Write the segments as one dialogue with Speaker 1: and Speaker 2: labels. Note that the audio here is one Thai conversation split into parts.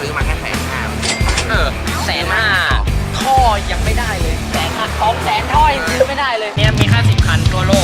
Speaker 1: ซื้อมาแค่
Speaker 2: 150,000ท่อยังไม่ได้เลย100,000 ท่อยังซื้อไม่ได้เลยเนี่ยมี50 คันทั่วโลก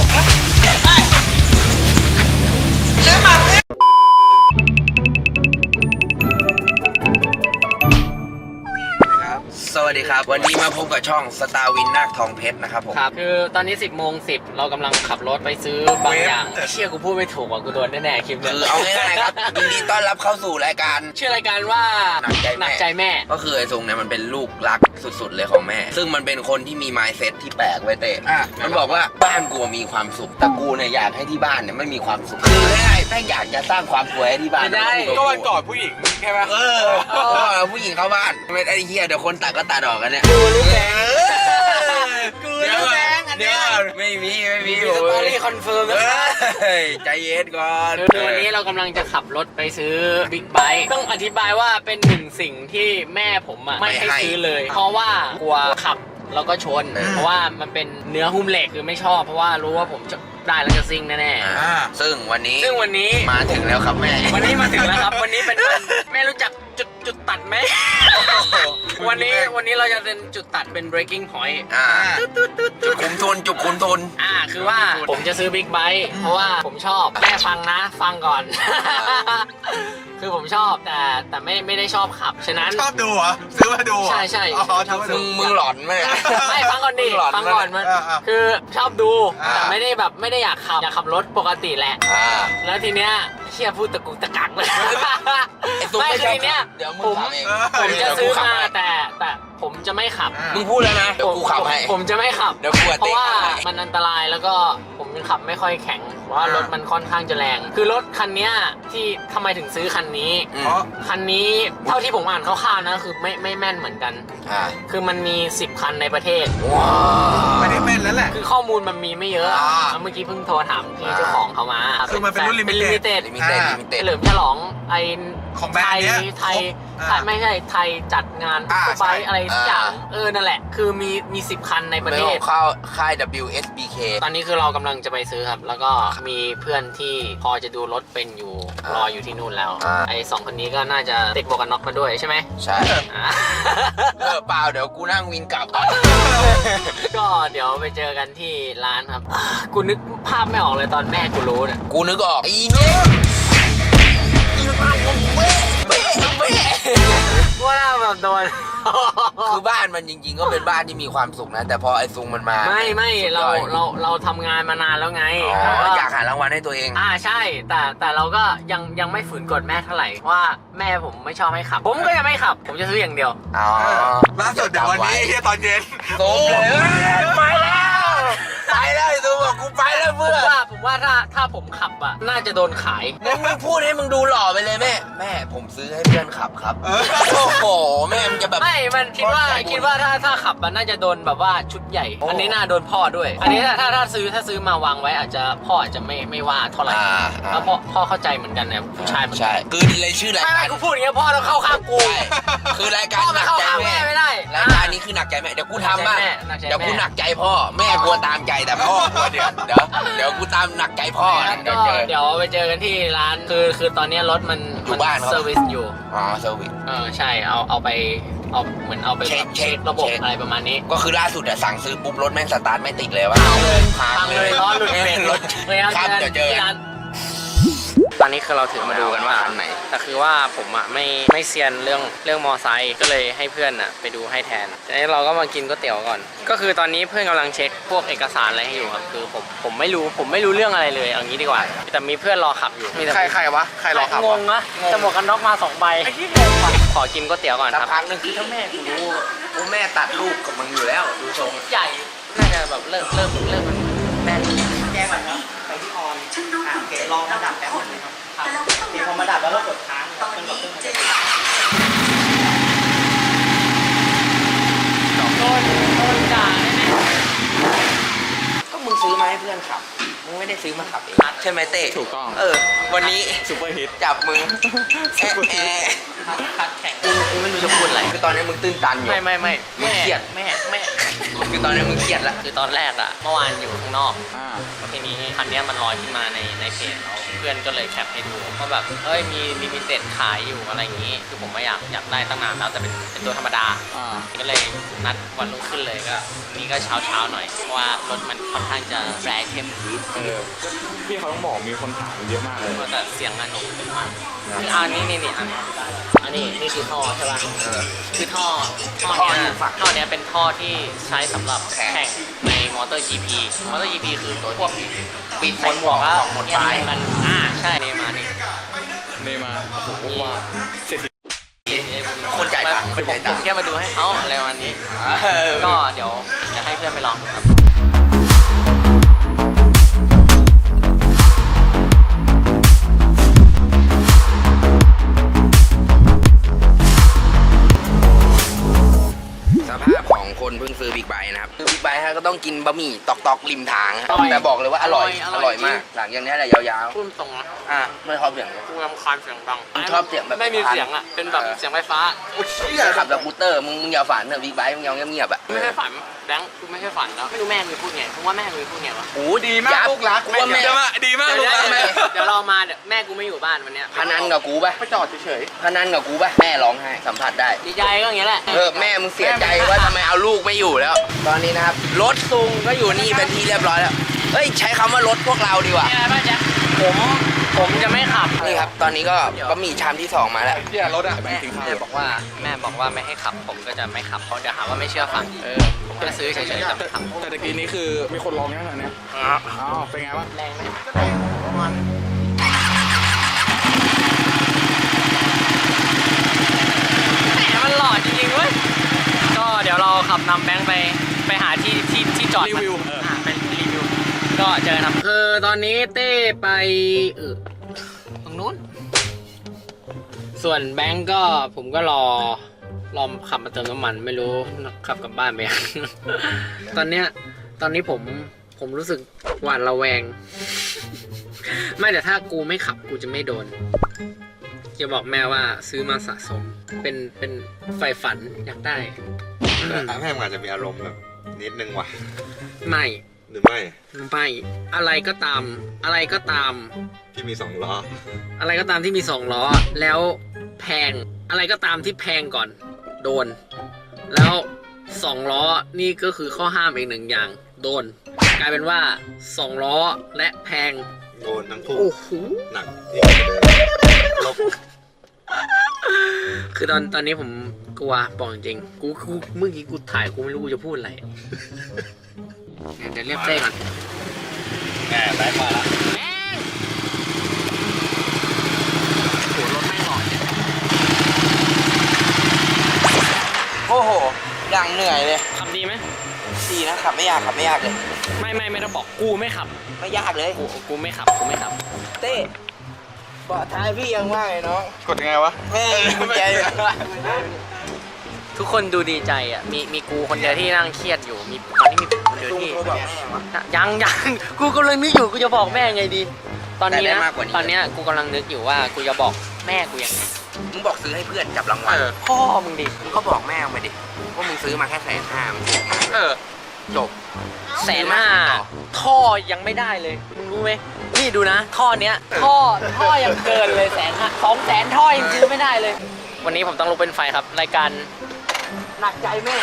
Speaker 1: สวัสดีครับวันนี้มาพบกับช่องสตาร์วินนาคทองเพชรนะครับผม
Speaker 2: ครับคือตอนนี้ 10:10เรากำลังขับรถไปซื้อบางอย่างเชี่ยกูพูดไม่ถูกว่ะกูโดนแน่ๆคลิปนี้
Speaker 1: คือเอาง่ายๆครับยินดีต้อนรับเข้าสู่รายการ
Speaker 2: ชื่อรายการว่าหนักใจแม่
Speaker 1: ก็คือไอ้ทรงเนี่ยมันเป็นลูกรักสุดๆเลยของแม่ซึ่งมันเป็นคนที่มี mindset ที่แปลกไว้เตะมันบอกว่าบ้านกูมีความสุขแต่กูเนี่ยอยากให้ที่บ้านเนี่ยไม่มีความสุขคือง่ายๆแม่งอยากจะสร้างความสวยให้ที่บ้าน
Speaker 3: ก็วันก่อนผู้หญิงใช่ไหม
Speaker 1: ผู้หญิงเข้าบ้านไม่ไอ้เหี้ยเดี๋ยวคนตัดก็ตัดออกกันเนี่ย
Speaker 2: กูรู้แบงกูรู้แบง
Speaker 1: เดี๋ยวไม่มี
Speaker 2: สตอรี่คอนเฟิร์มนะ
Speaker 1: ใจเย็นก่อน
Speaker 2: คือวันนี้เรากำลังจะขับรถไปซื้อบิ๊กไบค์ต้องอธิบายว่าเป็นหนึ่งสิ่งที่แม่ผมไม่ให้ซื้อเลยเพราะว่ากลัวขับแล้วก็ชนเพราะว่ามันเป็นเนื้อหุ้มเหล็กคือไม่ชอบเพราะว่ารู้ว่าผมจะได้แล้วจะซิ่งแน่
Speaker 1: ๆซึ่งวันนี้มาถึงแล้วครับแม่
Speaker 2: วันนี้มาถึงแล้วครับวันนี้เป็นวันแม่รู้จักจุดตัดไหมวันนี้เราจะเป็นจุดตัดเป็น breaking point
Speaker 1: จุดคุมทุน
Speaker 2: คือว่าผมจะซื้อบิ๊กไบค์เพราะว่าผมชอบแม่ฟังก่อนคือผมชอบแต่ไม่ได้ชอบขับฉะนั้น
Speaker 3: ชอบดูเหรอซื้อมาดู
Speaker 2: ใช่
Speaker 1: ชอบดูมึงหลอนไหม
Speaker 2: ไม่ฟังก่อนดิฟังก่อนมันคือชอบดูแต่ไม่ได้อยากขับรถปกติแหละแล้วทีเนี้ยเชี่ยพูดตะกุกตะกักเลยไม่คือทีเนี้ยผมจะซื้อมาแต่ผมจะไม่ขับ
Speaker 1: มึงพูดแล้วนะเดี๋ยวกูขับให้
Speaker 2: ผมจะไม่ขับ
Speaker 1: เดี๋ยวกู
Speaker 2: เพราะว่ามันอันตรายแล้วก็ผมขับไม่ค่อยแข็งเพราะว่ารถมันค่อนข้างจะแรงคือรถคันนี้ที่ทำไมถึงซื้อคันนี้คันนี้เท่าที่ผมอ่านคร่าวๆนะคือไม่แม่นเหมือนกันคือมันมี10 คันในประเทศ
Speaker 3: ไม่ได้แม่นแล้วแหละ
Speaker 2: คือข้อมูลมันมีไม่เยอะเมื่อกี้เพิ่งโทรถามพี่เจ้าของเขามา
Speaker 3: คือมันเป็นรุ่นลิมิเต็ด
Speaker 2: เฉลิมฉลองไอ
Speaker 3: ของแบรนด์เนี้ย
Speaker 2: ไทยไม่ใช่ไทยจัดงานไบอะไรทุกอย่างนั่นแหละคือมี10 คันในประเทศ
Speaker 1: ค่าย WSBK
Speaker 2: ตอนนี้คือเรากำลังจะไปซื้อครับแล้วก็มีเพื่อนที่พอจะดูรถเป็นอยู่รออยู่ที่นู่นแล้วไอ้2 คนนี้ก็น่าจะติดหมวกกันน็อกมาด้วยใช่ไหม
Speaker 1: ใช่เปล่าเดี๋ยวกูนั่งวินกลับ
Speaker 2: ก็เดี๋ยวไปเจอกันที่ร้านครับกูนึกภาพไม่ออกเลยตอนแม่กูรู้เนี่ย
Speaker 1: กูนึกออกอีเนี่ย
Speaker 2: ว่าน่าแบบโดน
Speaker 1: คือบ้านมันจริงๆก็เป็นบ้านที่มีความสุขนะแต่พอไอ้ซุงมันมา
Speaker 2: ไม่เราทำงานมานานแล้วไง
Speaker 1: อยากหารางวัลให้ตัวเอง
Speaker 2: ใช่แต่เราก็ยังไม่ฝืนกฎแม่เท่าไหร่ว่าแม่ผมไม่ชอบให้ขับผมก็ยังไม่ขับผมจะซื้ออย่างเดียว
Speaker 3: ล่าสุดเดี๋ยววันนี้ตอนเย็น
Speaker 1: โซ่เลยไปแล้วไอ้ซุงบอกกูไปแล้วเพื่อน
Speaker 2: ผมว่าถ้าผมขับอ่ะน่าจะโดนขาย
Speaker 1: มึงพูดให้มึงดูหล่อไปเลยแม่ผมซื้อให้เพื่อนขับครับโอ้โหแม่มันจะแบบ
Speaker 2: ไม่มันคิดว่าถ้าขับมันน่าจะโดนแบบว่าชุดใหญ่อันนี้น่าโดนพ่อด้วยอันนี้ถ้าซื้อมาวางไว้อาจจะพ่ออาจจะไม่ว่าเท่าไหร่แล้วพ่อเข้าใจเหมือนกันนะผู้ชาย
Speaker 1: ใช่คือเลยชื่อรายการ
Speaker 2: กูพูดอย่างเงี้ยพ่อต้องเข้าข้างกู
Speaker 1: คือรายการหนักใจแม่
Speaker 2: ไม่ได้
Speaker 1: รายการนี้คือหนักใจแม่เดี๋ยวกูทำบ้างเดี๋ยวกูหนักใจพ่อแม่กลัวตามใจแต่พ่อกลัวเดี๋ยวกูตามหนักใจพ่อ
Speaker 2: เดี๋ยวไปเจอกันที่ร้านคือตอนนี้รถมันเซอร์วิสอยู่
Speaker 1: เซอร์วิส
Speaker 2: ใช่เอาไปเหมือนเอาไปเช็คระบบอะไรประมาณนี้
Speaker 1: ก็คือล่าสุดสั่งซื้อปุ๊บรถแม่งสตาร์ทไม่ติดเลยว่า
Speaker 2: พังเลยล้อหลุดเลย
Speaker 1: รถครับเดี๋ยวเจอ
Speaker 2: ตอนนี้คือเราถือมาดูกันว่าอันไหนแต่คือว่าผมไม่เซียนเรื่องมอไซค์ก็เลยให้เพื่อนไปดูให้แทนแล้วเราก็มากินก๋วยเตี๋ยวก่อนก็คือตอนนี้เพื่อนกำลังเช็คพวกเอกสารอะไรให้อยู่ครับคือผมไม่รู้เรื่องอะไรเลยเอางี้ดีกว่าแต่มีเพื่อนรอขับอยู่
Speaker 3: ใครวะใครรอขับ
Speaker 2: งงนะจะหมวกกันน็อกมา2 ใบขอกินก๋วยเตี๋ยวก่อนครับ
Speaker 1: พักนึงคือถ้าแม่กูรู้แม่ตัดลูกกับมึงอยู่แล้วดูทรง
Speaker 2: ใหญ่น่าจะแบบเริ่มมันแน่นแก้ก่อนครับไปที่ออนเกลองระดับแป๊บนึงครับมีพอมาดับแล้วก็กดค้างมันแบบโดนด่าแน่
Speaker 1: ก็มึงซื้อมาให้เพื่อนขับมึงไม่ได้ซื้อมาขับเองใช่ไหมเต้
Speaker 2: ถูกต้อง
Speaker 1: วันนี้
Speaker 2: ซุปเปอร์ฮิต
Speaker 1: จับมือแอะ
Speaker 2: คัดแข่งกูไม่รู้จะพูดอะไร
Speaker 1: คือตอนนี้มึงตื้นตันอยู่
Speaker 2: ไม่
Speaker 1: มึงเครียด
Speaker 2: แม่
Speaker 1: คือตอนนี้มึงเครียดละ
Speaker 2: คือตอนแรกอะเมื่อวานอยู่ข้างนอกแล้วทีนี้คันนี้มันลอยขึ้นมาในเพจเราเพื่อนก็เลยแคปให้ดูว่าแบบเอ้ยมีลิมิเต็ดขายอยู่อะไรอย่างงี้คือผมไม่อยากได้ตั้งนานแล้วแต่เป็นตัวธรรมดาก็เลยนัดวันรุ่งขึ้นเลยก็นี่ก็เช้าหน่อยเพราะว่ารถมันค่อนข้างจะแรงเข้ม
Speaker 4: พี่เขาต้องบอกมีคนถามเยอะมากเลย
Speaker 2: แต่เสียงมันคืออันนี้นี่คือท่อใช่ป่ะคือท่อเนี้ยเป็นท่อที่ใช้สำหรับแข่งในมอเตอร์ GP มอเตอร์ GP คือตัวพวกปิดใส่หมวกแล้วหมดปลายมันใช่นี่มานี่
Speaker 4: เนมาผมว่าเสร็จ
Speaker 1: คนจ่ายตังค์คนจ่ายตัง
Speaker 2: ผม
Speaker 1: ค์
Speaker 2: แค่มาดูให้เขาอะไรวันนี้ก็เดี๋ยวจะให้เพื่อนไปลองครับ
Speaker 1: สภาพของคนเพิ่งซื้อบิ๊กไบค์นะครับซื้อบิ๊กไบค์ฮะก็ต้องกินบะหมี่ตอกริมทางครับแต่บอกเลยว่าอร่อยมาก หลังจากนี้แหละยาว
Speaker 2: พูดตรงนะ
Speaker 1: ๆไม่ชอบเสียงเลย
Speaker 2: กูรำคาญเสียงดัง
Speaker 1: มึงชอบเสียงแบบ
Speaker 2: ไม่มีเสียงอ่ะเป็นแบบเสียงไฟฟ้า
Speaker 1: ขับแบบบูเตอร์มึงอย่าฝันเถอะบิ๊กไบค์มึงยองเงียบๆอ่ะ
Speaker 2: ไม่ใช่ฝันแบงค์กูไม่ใช่ฝันแล้วไม่รู้แม่มึงพูดไงเพราะว่าแม่มึงพูดไงวะ
Speaker 3: โอ้ดีมากลูกรัก
Speaker 1: ว่าแม่
Speaker 3: ดีมากลูกรัก
Speaker 2: เดี๋ยวเรามาเดี๋ยวแม่กูไม่อยู่บ้านวันเนี้ย
Speaker 1: พนันกับกูป่ะ
Speaker 3: ไปจอดเฉย
Speaker 1: พนันกับกูป่ะแม่ร้องไห้สัมผัสได้
Speaker 2: ดีใจก็อย่างเงี้ยแหละ
Speaker 1: แม่มึงเสียใจว่าทำไมเอาลูกไม่อยู่แล้ว ตอนนี้นะครับรถซุงก็อยู่นี่เป็นที่เรียบร้อยแล้วเฮ้ยใช้คำว่ารถพวกเราดีกว่า
Speaker 2: มีอะไรบ้างจ๊ะผมจะไม่ขับ
Speaker 1: นี่ครับตอนนี้ก็บะหมี่ชามที่2มาแล้ว
Speaker 3: ๆเนี่ยรถอ่ะ
Speaker 2: แม่บอกว่าไม่ให้ขับผมก็จะไม่ขับเพราะเดี๋ยวหาว่าไม่เชื่อฟังผมจะซื้อเฉยๆแต่ไม่ขับ
Speaker 4: แต่ตะกี้นี้คือมีคนร้องยังไงเนี่ยอ้าวเป็นไงวะ
Speaker 2: แรงไหมประมาณแหมมันหล่อจริงๆเว้ยก็เดี๋ยวเราขับนำแบงค์ไปหาที่จอด
Speaker 4: รีวิว
Speaker 2: เป็นรีวิวก็เจอครับคือตอนนี้เต้ไปตรงนู้นส่วนแบงค์ก็ผมก็รอขับมาเติมน้ำมันไม่รู้ขับกลับบ้านไปยัง ตอนนี้ผมรู้สึกหวาดระแวง ไม่แต่ถ้ากูไม่ขับกูจะไม่โดนจะบอกแม่ว่าซื้อมาสะสมเป็นไฟฝันอยากได้
Speaker 5: แม่งอาจจะมีอารมณ์แบบนิดนึงว่ะ
Speaker 2: ไม่
Speaker 5: หรือไม่
Speaker 2: อะไรก็ตาม
Speaker 5: ที่มี2 ล้อ
Speaker 2: อะไรก็ตามที่มี2 ล้อแล้วแพงอะไรก็ตามที่แพงก่อนโดน แล้ว2 ล้อนี่ก็คือข้อห้ามอีก1อย่างโดนกลายเป็นว่า2 ล้อและแพง
Speaker 5: โดนทั้งคู่
Speaker 2: โอ้โห
Speaker 5: หนักยิ่งกว่าเดิมลบ
Speaker 2: คือตอนนี้ผมกลัวบอกจริงๆกูเมื่อกี้กูถ่ายกูไม่รู้กูจะพูดอะไรเดี๋ยวเรียกเต้ก่อน
Speaker 5: แง่ได้มาละ
Speaker 2: แม่งโหรถไม่หล่อเนี่ย
Speaker 1: โอ้โหอย่างเหนื่อยเลย
Speaker 2: ขับดีไหม
Speaker 1: ดีนะขับไม่ยากเลย
Speaker 2: ไม่ต้องบอกกูไม่ขับ
Speaker 1: ไม่ยากเลย
Speaker 2: กูไม่ขับ
Speaker 1: เต้เบาะท้ายพี่ยังว่างเลยน้อง
Speaker 3: กดยังไงวะ
Speaker 1: แม่กุญแจอยู่
Speaker 2: ทุกคนดูดีใจอ่ะมีกูคนเดียวที่นั่งเครียดอยู่มีตอนนี้มีผมคนเดียว
Speaker 1: ลุง
Speaker 2: ที่
Speaker 1: โทรบอกแม่วะ
Speaker 2: ยังกูกำลังนึกอยู่กูจะบอกแม่ไงดี ตอนนี้
Speaker 1: แต่ได้
Speaker 2: นะ
Speaker 1: มากกว่านี้
Speaker 2: ตอนเนี้ยกูกำลังนึกอยู่ว่ากูจะบอกแม่กูยังไง
Speaker 1: มึงบอกซื้อให้เพื่อนจับรางวัล
Speaker 2: พ่อมึงดิ
Speaker 1: มึงก็บอกแม่มึงไปดิว่ามึงซื้อมาแค่150,000มึงบอกมา จบ
Speaker 2: 150,000ท่อยังไม่ได้เลยมึงรู้ไหมนี่ดูนะท่อเนี้ยท่อยังเกินเลย150,000 200,000ท่อยังซื้อไม่ได้เลย วันนี้ผมต้องลุกเป็นไฟครับรายการหนักใจแม่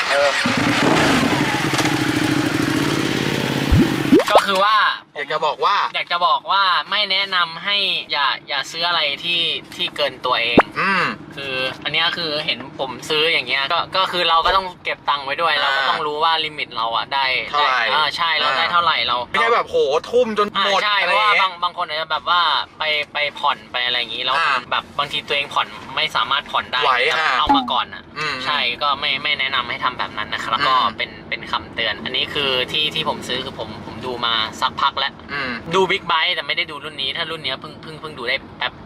Speaker 2: ก็คือว่า
Speaker 3: อยากจะบอกว่า
Speaker 2: ไม่แนะนำให้อย่าซื้ออะไรที่เกินตัวเอง คืออันเนี้ยคือเห็นผมซื้ออย่างเงี้ยก็คือเราก็ต้องเก็บตังค์ไว้ด้วยเราก็ต้องรู้ว่าลิมิตเราอะได้
Speaker 3: เท่าไหร่
Speaker 2: ใช่เราได้เท่าไหร่เรา
Speaker 3: ไม่ใช่แบบโหทุ่มจนหมด
Speaker 2: ใช่
Speaker 3: อะ
Speaker 2: เพ
Speaker 3: ไร
Speaker 2: ราะว่า
Speaker 3: เงี้ย
Speaker 2: บางคนอาจจะแบบว่าไปผ่อนไปอะไรอย่างงี้แล้ว แบบบางทีตัวเองผ่อนไม่สามารถผ่อนได้
Speaker 3: ไหว
Speaker 2: เอามาก่อนอะ
Speaker 3: อืม
Speaker 2: ใช่ก็ไม่แนะนำให้ทำแบบนั้นนะครับแล้วก็เป็นคำเตือน อันนี้คือที่ผมซื้อคือผมดูมาสักพักแล้ว ดูบิ๊กไบค์แต่ไม่ได้ดูรุ่นนี้ถ้ารุ่นนี้เพิ่งดูได้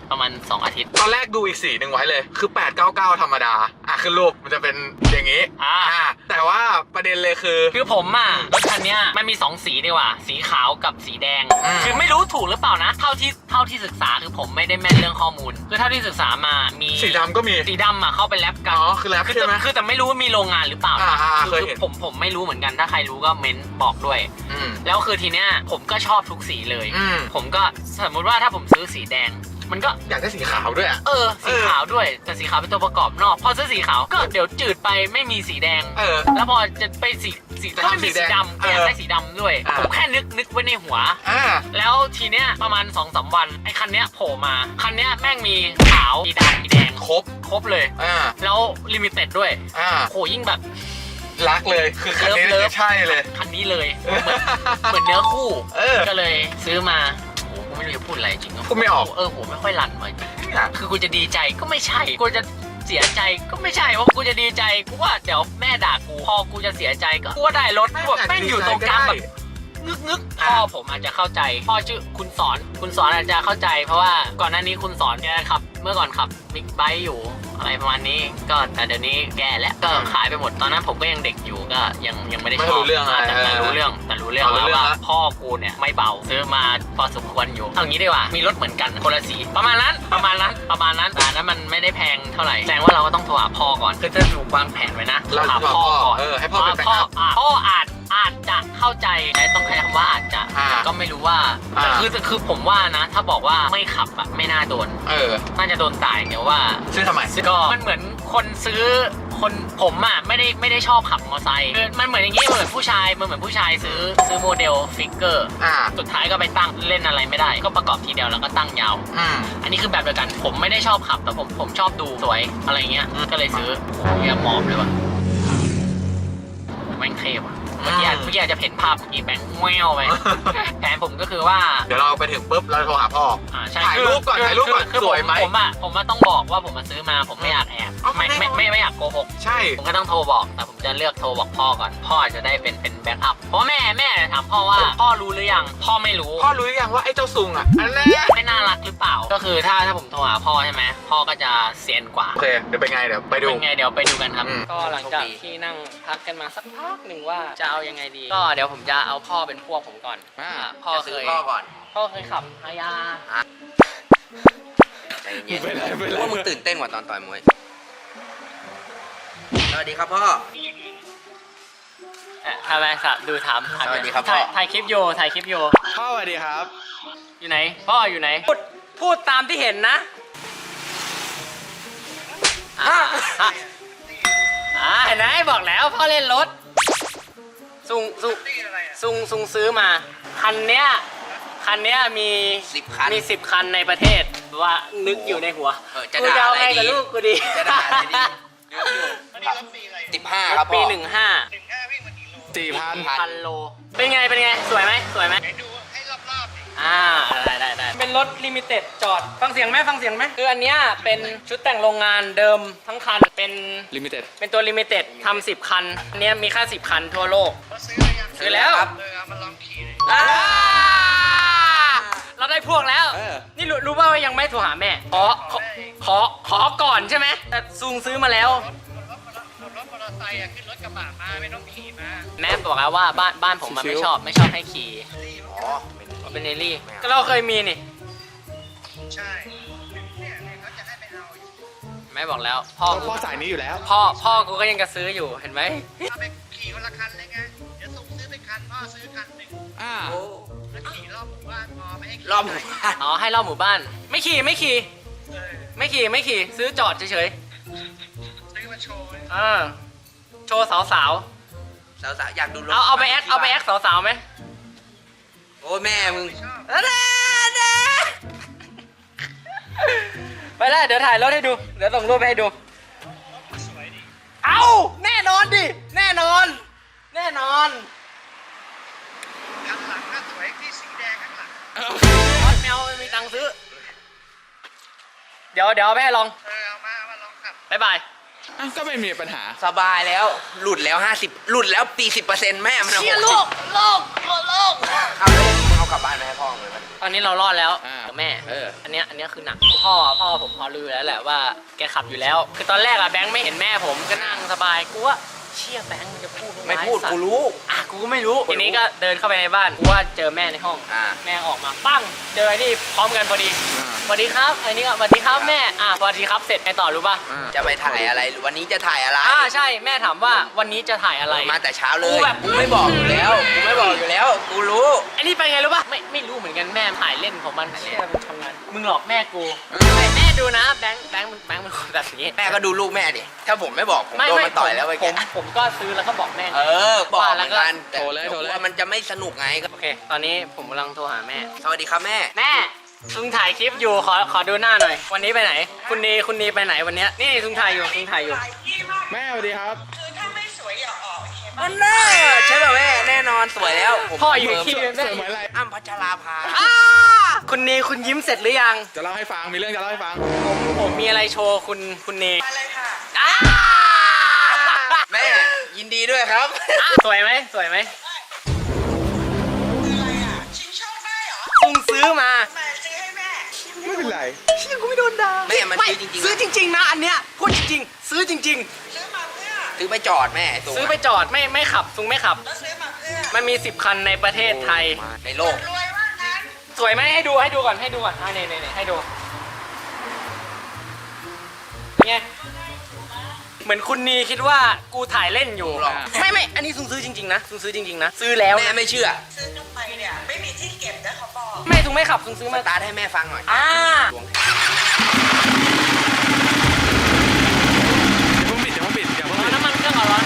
Speaker 2: ประมาณ2 อาทิตย์
Speaker 3: ตอนแรกดูอีกสีหนึ่งไว้เลย คือ 899 ธรรมดา ขึ้นรูปมันจะเป็นอย่างนี้ แต่ว่าประเด็นเลยคือ
Speaker 2: ผมอะรถคันนี้มันมี2 สีดีกว่า สีขาวกับสีแดง คือไม่รู้ถูกหรือเปล่านะ เท่าที่ศึกษาคือผมไม่ได้แม่นเรื่องข้อมูล คือเท่าที่ศึกษามามี
Speaker 3: สีดำก็มี
Speaker 2: สีดำอะเข้าไปแรปกัน
Speaker 3: อ๋อคือแรปใช่ไหม
Speaker 2: คือแต่ไม่รู้ว่ามีโรงงานหรือเปล่า
Speaker 3: เคยเห็น
Speaker 2: ผมไม่รู้เหมือนกันถ้าใครรู้ก็เม้นบอกด้วย แล้วคือทีเนี้ยผมก็ชอบทุกสีเลย ผมก็สมมุติว่าถ้าผมซื้อสีแดงมันก็
Speaker 3: อยากได้สีขาวด้วยอ่ะ
Speaker 2: สีขาวด้วยแต่สีขาวเป็นตัวประกอบนอกพอซื้อสีขาวก็เดี๋ยวจืดไปไม่มีสีแดงแล้วพอจะไปสีก็ไม่มีสีดำก็อยากได้สีดำด้วยผมแค่นึกไว้ในหัวแล้วทีเนี้ยประมาณ 2-3 วันไอ้คันเนี้ยโผล่มาคันเนี้ยแม่งมีขาวสีดำสีแดงครบเลยแล้วลิมิเต็ดด้วยโหยิ่งแบบ
Speaker 3: รักเลยคือคันนี้เลยใช่เลย
Speaker 2: คันนี้เลยเหมือนเนื้อคู่ก็เลยซื้อมาโอ้ไม่รู้จะพูดอะไรจริง
Speaker 3: พูดไม่ออก
Speaker 2: ผมไม่ค่อยรันเลยคือกูจะดีใจก็ไม่ใช่กูจะเสียใจก็ไม่ใช่เพราะกูจะดีใจกูว่าเดี๋ยวแม่ด่ากูพอกูจะเสียใจก็กูว่าได้รถกูแบบแม่งอยู่ตรงกลางแบบงึกพ่อผมอาจจะเข้าใจพ่อชื่อคุณสอนอาจจะเข้าใจเพราะว่าก่อนหน้านี้คุณสอนแกขับเมื่อก่อนขับบิ๊กไบค์อยู่อะไรประมาณนี้ก็แต่เดี๋ยวนี้แกแล้วก็ขายไปหมดตอนนั้นผมก็ยังเด็กอยู่ก็ยังไม่ได้ชอบแต่รู้เรื่องแล้วว่าพ่อกูเนี่ยไม่เบาซื้อมาพอสมควรอยู่เอางี้ดีกว่ามีรถเหมือนกันคนละสีประมาณนั้นแต่นั้นมันไม่ได้แพงเท่าไหร่แสดงว่าเราก็ต้องโทรหาพ่อก่อนคือจะถูกวางแผนไว้นะโทรหาพ่อก่อน
Speaker 3: ให้พ่อเป็นแบ็คอัพ
Speaker 2: พ่ออาจจะเข้าใจต้องใช้คำว่าอาจจะก็ไม่รู้ว่าคือผมว่านะถ้าบอกว่าไม่ขับอะไม่น่าโดนน่าจะโดนตายเดี๋ยวว่า
Speaker 3: ซื้อทำไม
Speaker 2: ก็มันเหมือนคนซื้อคนผมอ่ะไม่ได้ชอบขับมอเตอร์ไซค์มันเหมือนอย่างงี้เหมือนผู้ชายซื้อโมเดลฟิกเกอร์สุดท้ายก็ไปตั้งเล่นอะไรไม่ได้ก็ประกอบทีเดียวแล้วก็ตั้งยาวอันนี้คือแบบเดียวกันผมไม่ได้ชอบขับแต่ผมชอบดูสวยอะไรเงี้ยก็เลยซื้อโอ้ยหมอบเลยว่ะแม่งเทพอ่ะเมื่อกี้อาจจะเห็นภาพอีแบงค์แววไปแผนผมก็คือว่า
Speaker 3: เดี๋ยวเราไปถึงปุ๊บเราโทรหาพ่อถ่ายรูปก่อนสวยไหม
Speaker 2: ผมต้องบอกว่าผมมาซื้อมาผมไม่อยากแอบไม่อยากโกหก
Speaker 3: ใช่
Speaker 2: ผมก็ต้องโทรบอกแต่ผมจะเลือกโทรบอกพ่อก่อนพ่อจะได้เป็นแบ็คอัพเพราะแม่ถามพ่อว่าพ่อรู้หรือยังพ่อไม่รู้
Speaker 3: พ่อรู้หรือยังว่าไอ้เจ้าซุงอ่ะอันนั้น
Speaker 2: ไม่น่ารักหรือเปล่าก็คือถ้าผมโทรหาพ่อใช่ไหมพ่อก็จะเซียนกว่า
Speaker 3: โอเคเดี๋ยวไปไงเดี๋ยวไปดู
Speaker 2: เดี๋ยวไปดูกันครับก็หลังจากที่นั่งพักกันมาสักพักหนึ่งว่าจะเอายังไงดีก็เดี๋ยวผมจะเอาพ่อเป็นพวกผมก่อนพ่อเคยขับฮายา
Speaker 1: ใจเย็นว่ามึงตื่นเต้นกว่าตอนต่อยมวยสวัสดีครับพ่อ
Speaker 2: ทำไมสับดูถาม
Speaker 1: สวัสดีครับพ่อ
Speaker 2: ถ่ายคลิปโย
Speaker 4: พ่อสวัสดีครับ
Speaker 2: อยู่ไหนพ่ออยู่ไหนพูดตามที่เห็นนะเห็นไหมบอกแล้วพ่อเล่นรถซุงซื้อมาคันเนี้ยมี10 คันในประเทศว่านึกอยู่ในหัว
Speaker 1: จะด่าอะไรดี
Speaker 2: ลูกกูดี
Speaker 1: จะด่าอะไรดี15ครับพ่อ
Speaker 2: ปี
Speaker 4: 4,000
Speaker 2: โลเป็นไงสวยไหมดูให้รอบๆได้เป็นรถลิมิเต็ดจอดฟังเสียงไหมคืออันเนี้ยเป็นชุดแต่งโรงงานเดิมทั้งคันเป็นลิมิเต็ดเป็นตัวลิมิเต็ดทำ10 คันอันเนี้ยมีแค่10 คันทั่วโลกซื้อแล้วครับมาลองขี่เราได้พวกแล้วนี่รู้ว่ายังไม่โทรหาแม่ขอก่อนใช่ไหมแต่ซุงซื้อมาแล้วรถมอเตอร์ไซค์ขึ้นรถกระบะมาไม่ต้องขี่มาแม่บอกแล้วว่าบ้านผมมันไม่ชอบให้ขี่เป็นเนลี่ก็เราเคยมีนี่ใช่เนี่ยเขาจะให้ไปเอาแม่บอกแล้วพ่อ
Speaker 4: สายนี้อยู่แล้ว
Speaker 2: พ่อกูก็ยังจะซื้ออยู่เห็นไหม
Speaker 6: ไปขี่คนละคันเลยไงเดี๋ยวส่งซื้อไปคันพ่อซื้อคันหนึ่งแล้วขี่รอบหมู่บ้านพอไม่ให้
Speaker 1: รอบหมู่บ้าน
Speaker 2: ให้รอบหมู่บ้านไม่ขี่ซื้อจอดเฉย
Speaker 6: ซื้อมาโชว์
Speaker 2: โชว์สาว
Speaker 1: อยากดูรถ
Speaker 2: เอาไปแอคสาวไหม
Speaker 1: โอ้แม่มึง
Speaker 2: ไปแล้วเดี๋ยวถ่ายรถให้ดูเดี๋ยวส่งรูปให้ดูเอาแน่นอนแน่นอน
Speaker 6: ข้างหลังก็สวยที่สีแดงข้างหลัง
Speaker 2: แมวไม่มีตังค์ซื้อเดี๋ยวเอาไปให้ลอง
Speaker 6: เอามาลองขับ
Speaker 2: บ๊ายบาย
Speaker 4: ก็ไม่มีปัญหา
Speaker 1: สบายแล้วหลุดแล้ว40%แม่มัน
Speaker 2: เชี่ยโลก
Speaker 6: ง
Speaker 1: เอาเลยมึงเอากลับบ้านไปให้พ่อเลยมัน
Speaker 2: ตอนนี้เรารอดแล้ว
Speaker 4: อ่า
Speaker 2: กับแม่
Speaker 1: เออ
Speaker 2: อันเนี้ยคือหนักพ่อผมพอรู้แล้วแหละว่าแกขับอยู่แล้ว คือตอนแรกอะแบงค์ไม่เห็นแม่ผมก็นั่งสบายกูว่าเชี่ยแบงค์มันจะพูด
Speaker 1: ไม่พูด
Speaker 2: สัตว์
Speaker 1: กูรู้
Speaker 2: อ่ะกูก็ไม่รู้ทีนี้ก็เดินเข้าไปในบ้านกูว่าเจอแม่ในห้อง
Speaker 1: อ่า
Speaker 2: แม่ออกมาปั้งเจอไอ้นี่พร้อมกันพอดีสวัสดีครับไอ้นี่ก็สวัสดีครับแม่สวัสดีครับเสร็จไงต่อรู้ป่ะ
Speaker 1: จะไปถ่ายอะไรวันนี้จะถ่ายอะไร
Speaker 2: ใช่แม่ถามว่าวันนี้จะถ่ายอะไร
Speaker 1: มาแต่เช้าเล
Speaker 2: กู
Speaker 1: ย
Speaker 2: แบบ
Speaker 1: กูไม่บอกอยู่แล้วกูไม่บอกอยู่แล้วกูรู้
Speaker 2: ไอ้นี่ไปไงรู้ป่ะไม่รู้เหมือนกันแม่ถ่ายเล่นของมันเชี่ยมันทำงานมึงหลอกแม่กูแม่ดูนะแบงค์มันคนแบบนี้
Speaker 1: แม่ก็ดูลูกแม่ดิถ้าผมไม่บอกผมโดนมันต่อยแล้วไปแก
Speaker 2: ผมก็ซื้อแล้วก็บอกแม่
Speaker 1: บอกเหมือนกัน
Speaker 4: โทรเลย
Speaker 1: ว่ามันจะไม่สนุกไงก็
Speaker 2: โอเค ตอนนี้ผมกำลังโทรหาแม่
Speaker 1: สวัสดีครับแม่
Speaker 2: แม่ซุงถ่ายคลิปอยู่ขอดูหน้าหน่อย วันนี้ไปไหน คุณนีไปไหนวันเนี้ยนี่ซุงถ่ายอยู่
Speaker 4: แม่สวัสดีครับ
Speaker 6: คือถ้าไม่สวยอย่าออกโอเคปะ
Speaker 1: อันน่าใช่ป่ะแม่แน่นอนสวยแล้วผม
Speaker 2: พ่ออยู่ที่
Speaker 4: เสริมเหมือนอะไร
Speaker 1: อ้ำพัชราภา
Speaker 2: คุณนีคุณยิ้มเสร็จหรือยัง
Speaker 4: จะเล่าให้ฟัง มีเรื่องจะเล่าให้ฟัง
Speaker 2: ผมมีอะไรโชว์คุณนี
Speaker 6: มาเลยค่ะ
Speaker 1: แม่ยินดีด้วยครับ
Speaker 2: สวยไหม
Speaker 6: คืออะไรอ่ะ ชิงโชคได้เหรอ
Speaker 2: ซุงซื้อมา
Speaker 6: มาซื้อให้แม่
Speaker 4: ไม่เป็นไร
Speaker 2: เชี่ยกูไม่โดนด่า
Speaker 1: แม่มันซื้อจริงๆ
Speaker 2: ซื้อจริงๆนะอันเนี้ยพูดจริงๆซื้อจริง
Speaker 6: ซื้อมาเพื่อ
Speaker 1: ซื้อไปจอดแม่
Speaker 2: ๆ ซื้อไปจอดไม่ขับซุงไม่ขับ
Speaker 6: แล้วซื้อมาเพื่อ
Speaker 2: มันมี10 คันในประเทศไทย
Speaker 1: ในโลก
Speaker 6: รวยว่างั้น
Speaker 2: สวยไหมให้ดูก่อนนี่ให้ดูไงเหมือนคุณนีคิดว่ากูถ่ายเล่นอยู่
Speaker 1: หรอ
Speaker 2: ไม่อันนี้ซุงซื้อจริงๆนะซุงซื้อจริงๆนะซื้อแล้ว
Speaker 1: แม่ไม่เชื่อ
Speaker 6: ซื้อกลับไปเนี่ยไม่มีที่เก็บนะเขาบอก
Speaker 2: ไม่ซุงไม่ขับซุงซื้อ
Speaker 1: ส
Speaker 2: มา
Speaker 1: ตาร์ทให้แม่ฟังหน่อย
Speaker 2: อ่า
Speaker 4: อย่าเพิ่งปิดอย่าเพิ่งปิดอย่าเพิ่ง
Speaker 2: ร้อน
Speaker 4: ปิด
Speaker 2: น้ำมันเครื่องก่อน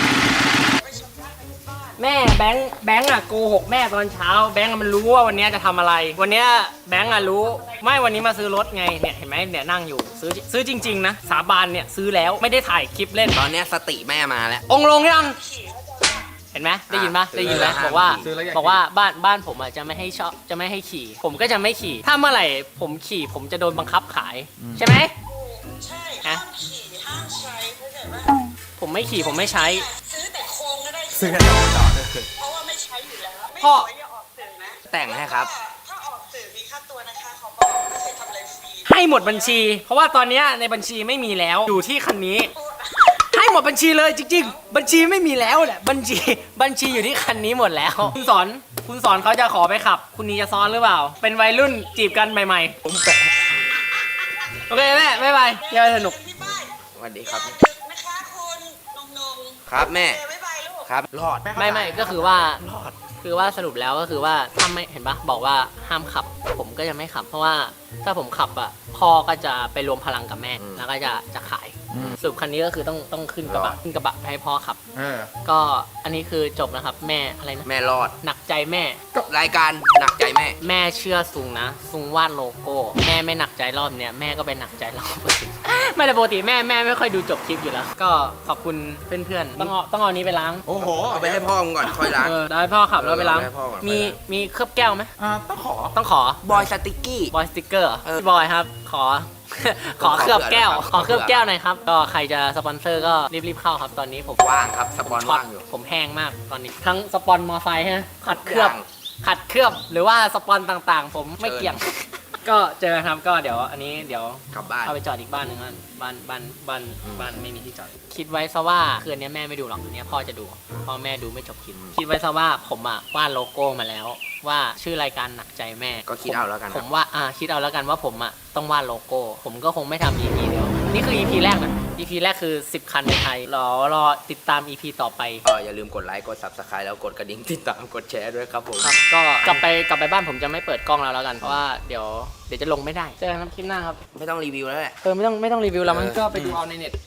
Speaker 2: แม่แบงค์อะโกหกแม่ตอนเช้าแบงค์อะมันรู้ว่าวันนี้จะทำอะไร วันนี้แบงค์อะรู้ไม่วันนี้มาซื้อรถไงเนี่ยเห็นไหมเนี่ยนั่งอยู่ซื้อจริงๆนะสาบานเนี่ยซื้อแล้วไม่ได้ถ่ายคลิปเล่น
Speaker 1: ตอนเนี้ยสติแม่มาแล้ว
Speaker 2: องค์ลงยัง
Speaker 6: ขี่เขาจะว่า
Speaker 2: เห็นไหมได้ยินปะ
Speaker 1: ซื้อ
Speaker 2: ได้ยินไหม
Speaker 1: แล้ว
Speaker 2: บอกว่า
Speaker 4: ซื้อแล้วอยาก
Speaker 2: บอกว่าบ้านผมอ่ะจะไม่ให้ขี่ ผมก็จะไม่ขี่ ถ้าเมื่อไหร่ผมขี่ผมจะโดนบังคับขาย ใช่ไหม
Speaker 6: ใช่
Speaker 2: ฮะ
Speaker 6: ห้ามขี่ห้ามใช้เข้าใจปะ
Speaker 2: ผมไม่ขี่ผมไม่ใช้
Speaker 6: ซื้อแต่โครงก็ได้
Speaker 4: ซื้อกันต่อต่อเลย
Speaker 6: เพราะว่าไม่ใช้อยู่แล้วไม่
Speaker 2: พ่อ
Speaker 6: สวยอย่าออกสื่อนะ
Speaker 1: แต่งให้ครับ
Speaker 6: ถ้าออกสื่อมีค่าตัวนะคะเขาบอกไม่เคยทำอะไรฟรี
Speaker 2: ให้หมดบัญชี เพราะว่าตอนเนี้ยในบัญชีไม่มีแล้วอยู่ที่คันนี้ ให้หมดบัญชีเลยจริงๆ บัญชีไม่มีแล้วแหละบัญชีอยู่ที่คันนี้หมดแล้ว คุณสอนเขาจะขอไปขับ คุณนีจะซ้อนหรือเปล่า เป็นวัยรุ่นจีบกันใหม่ๆผมแปะโอเคแม่บ๊ายบายเดี๋ยวสนุก
Speaker 6: ที่บ้าน
Speaker 1: สวัสดีครับ
Speaker 6: อย่าดึกนะคะคุณนง
Speaker 1: ครับแม่
Speaker 6: เจอบ๊ายบายลูก
Speaker 1: ครับรอด
Speaker 2: ไม่ก็คือว่าสรุปแล้วก็คือว่าถ้าไม่เห็นปะบอกว่าห้ามขับ ผมก็จะไม่ขับ เพราะว่าถ้าผมขับอ่ะพ่อก็จะไปรวมพลังกับแม่แล้วก็จะขายสรุปคันนี้ก็คือต้องขึ้นกระบะให้พ่อขับ
Speaker 4: เออ
Speaker 2: ก็อันนี้คือจบนะครับแม่อะไรนะ
Speaker 1: แม่รอด
Speaker 2: หนักใจแม่
Speaker 1: รายการหนักใจแม่
Speaker 2: แม่เชื่อซุงนะซุงวาดโลโก้ แม่ไม่หนักใจรอบเนี้ยแม่ก็ไปหนักใจรอบอื่น ไม่แต่ปกติแม่ไม่ค่อยดูจบคลิปอยู่แล้ว ก็ขอบคุณเพื่อนๆต้องเอานี้ไปล้าง
Speaker 4: โอ้โห
Speaker 1: เอาไปให้พ่อมึงก่อนค่อยล้าง
Speaker 2: ได้พ่อขับแล้วไปล้าง
Speaker 1: ให้พ่อก่อน
Speaker 2: มีเคลือบแก้วไหม
Speaker 4: ต้องขอ
Speaker 2: ต้องขอ
Speaker 1: บอยสติกกี้
Speaker 2: บอยสติ๊กเกอร์
Speaker 1: เออ
Speaker 2: พี่บอยครับ ขอ เคลือบแก้ว
Speaker 1: ขอ
Speaker 2: ขอเคลือบ
Speaker 1: เผื่อ
Speaker 2: แก้วหน่อยครับ ก็ใครจะสปอนเซอร์ก็รีบๆเข้าครับ ตอนนี้ผม
Speaker 1: ว่างครับสปอน
Speaker 2: ช็อต
Speaker 1: ว่างอยู่
Speaker 2: ผมแห้งมากตอนนี้ ทั้งสปอนมอไซค์ฮะขัดเคลือบ
Speaker 1: อย่าง
Speaker 2: ขัดเคลือบหรือว่าสปอนต่างๆ ผมไม่เกี่ยง ก็เจอกันครับก็เดี๋ยวอันนี้เดี๋ยว
Speaker 1: กลับบ้าน
Speaker 2: เอาไปจอดอีกบ้านหนึ่งนะบ้านไม่มีที่จอด คิดไว้ซะว่าคืนนี้แม่ไม่ดูหรอกอันนี้พ่อจะดูพ่อแม่ดูไม่จบคลิปคิดไว้ซะว่าผมอ่ะวาดโลโก้มาแล้ว ว่าชื่อรายการหนักใจแม่
Speaker 1: ก็คิดเอาแล้วกัน
Speaker 2: ผมว่าคิดเอาแล้วกันว่าผมอ่ะต้องวาดโลโก้ ผมก็คงไม่ทำ EP เดียวนี่คือ EP แรกนะ EP แรกคือ10 คันในไทยรอติดตาม EP ต่อไป
Speaker 1: ก็อย่าลืมกดไลค์กด subscribe แล้วกดกระดิ่งติดตามกดแชร์ด้วยครับผม
Speaker 2: ครับก็กลับไปบ้านผมจะไม่เปิดกล้องแล้วกันเพราะว่าเดี๋ยวจะลงไม่ได้เจอกันครับคลิปหน้าครับ
Speaker 1: ไม่ต้องรีวิวแล้วแหละ
Speaker 2: ไม่ต้องรีวิวแล้วมันก็ไปดูเอาในเน็ต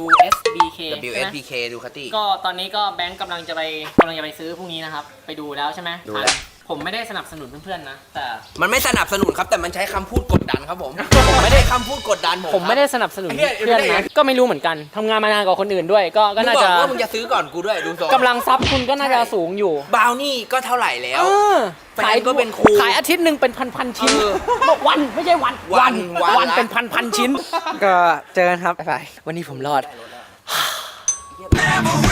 Speaker 2: WSBK ใช่ไหม
Speaker 1: WSPK ดูคัตตี้
Speaker 2: ก็ตอนนี้ก็แบงค์กำลังจะไปซื้อพรุ่งนี้นะครับ ไปดูแล้วใช่ไหม
Speaker 1: ดูแล้ว
Speaker 2: ผมไม่ได้สนับสนุนเพื่อนๆนะ แต่
Speaker 1: มันไม่สนับสนุนครับแต่มันใช้คำพูดกดดันครับผม ผมไม่ได้คำพูดกดดัน
Speaker 2: ผมไม่ได้สนับสนุนเพื่อนนะก็ไม่รู้เหมือนกันทำงานมานานกว่าคนอื่นด้วย ก็
Speaker 1: มึง
Speaker 2: น่า
Speaker 1: บอ
Speaker 2: จะ
Speaker 1: กว่ามึงจะซื้อก่อนกูด้วยดูทรง
Speaker 2: กำลังทรัพย์คุณก็น่าจะสูงอยู่
Speaker 1: บราวนี่ก็เท่าไหร่แล้ว แฟนก็เป็นครู
Speaker 2: ขายอาทิตย์หนึ่งเป็นพันชิ้น วันไม่ใช่วัน
Speaker 1: วันละ
Speaker 2: เป็นพันชิ้น ก็เจอกันครับบ๊ายบายวันนี้ผมรอด
Speaker 6: Never